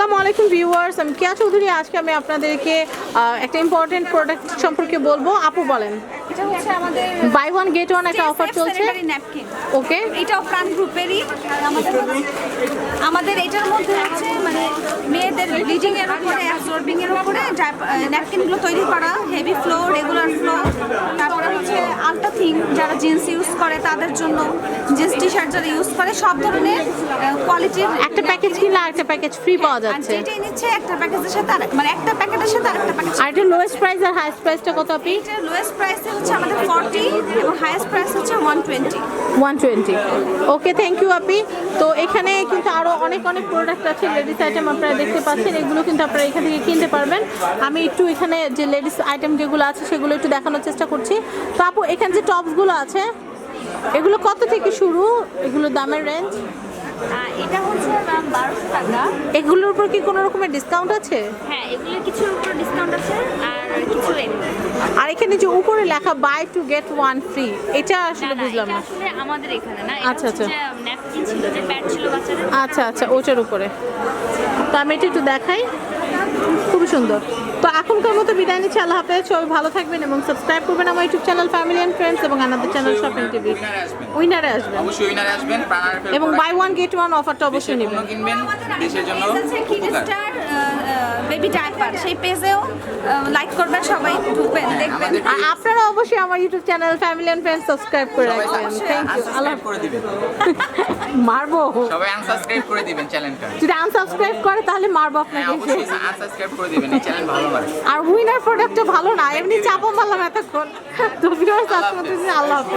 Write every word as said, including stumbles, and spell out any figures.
আসসালামু আলাইকুম ভিউয়ার্স, আমি কেয়া চৌধুরী। আজকে আমি আপনাদেরকে একটা ইম্পর্টেন্ট প্রোডাক্ট সম্পর্কে বলবো। আপু বলেন। এটা হচ্ছে আমাদের বাই ওয়ান গেট ওয়ান একটা অফার চলছে। ন্যাপকিন। ওকে, এটাও প্রাণ গ্রুপেরই। আমাদের আমাদের এটার মধ্যে হচ্ছে মানে মেয়েদের ব্লিডিং এর উপরে অ্যাবসর্বিং এর উপরে ন্যাপকিনগুলো তৈরি করা, হেভি ফ্লো, রেগুলার ফ্লো। তারপরে হচ্ছে আলট্রা থিং, যারা জিন্স ইউজ করে তাদের জন্য, জিন্স টি শার্ট যারা ইউজ করে সব ধরনের কোয়ালিটির একটা প্যাকেজ কিনলে আরেকটা প্যাকেজ ফ্রি পাওয়া যাচ্ছে। যেটাই নিচ্ছে একটা প্যাকেজের সাথে আর মানে একটা প্যাকেটের সাথে আরেকটা প্যাকেজ। আর এটা লোয়েস্ট প্রাইস আর হাইয়েস্ট প্রাইসটা কত আপনি? এটার লোয়েস্ট প্রাইস হচ্ছে আমাদের ফর্টি এবং হাইয়েস্ট প্রাইস হচ্ছে one twenty. One twenty. Okay, thank you আপি। তো এখানে কিন্তু আরও অনেক অনেক প্রোডাক্ট আছে, লেডিস আইটেম আপনারা দেখতে পাচ্ছেন। এগুলো কিন্তু আপনারা এখান থেকে কিনতে পারবেন। আমি একটু এখানে যে লেডিস আইটেম যেগুলো আছে সেগুলো একটু দেখানোর চেষ্টা করছি। তো আপু, এখানে যে টপসগুলো আছে এগুলো কত থেকে শুরু, এগুলো দামের রেঞ্জ? এটা হচ্ছে ম্যাম বারোশো টাকা। এগুলোর উপর কি কোনো রকমের ডিসকাউন্ট আছে? হ্যাঁ, এগুলোর কিছুর উপর ডিসকাউন্ট আছে আর কিছু এমনি। আর এখানে যে উপরে লেখা buy two get one free, এটা আসলে বুঝলাম না। আসলে আমাদের এখানে না, আচ্ছা, আচ্ছা। ন্যাপকিন ছিল, যে প্যাড ছিল বাচ্চাদের। আচ্ছা আচ্ছা, ওটার উপরে। তো আমি এটা একটু দেখাই, খুবই সুন্দর। তো এখনকার মতো বিদায় নিচ্ছি, আল্লাহ হাফেজ। সবাই ভালো থাকবেন এবং সাবস্ক্রাইব করবেন আমার YouTube channel family and friends এবং আমাদের চ্যানেল শপিং টিভি। উইনারে আসবেন, অবশ্যই উইনারে আসবেন। এবং বাই ওয়ান গেট ওয়ান অফারটা অবশ্যই নেবেন। কিনবেন দেশের জন্য কিডস্টার বেবি ডায়াপার, সেই পেজেও লাইক করবেন, সবাই ঢুকবেন, দেখবেন। আর আপনারা অবশ্যই আমার YouTube channel family and friends subscribe করে রাখবেন। Thank you. আল্লাহ করে দিবেন, মারবো, সবাই আনসাবস্ক্রাইব করে দিবেন চ্যানেলটা। যদি আনসাবস্ক্রাইব করে তাহলে মারবো হ্যাঁ, আপনাকে। অবশ্যই আনসাবস্ক্রাইব করে দিবেন, এই চ্যানেল ভালো না। আর উইনার প্রোডাক্টটা ভালো না, এমনি চাপা মারলাম এতক্ষণ। তো ভিউয়ার্স, আজকের মতো আল্লাহ হাফেজ।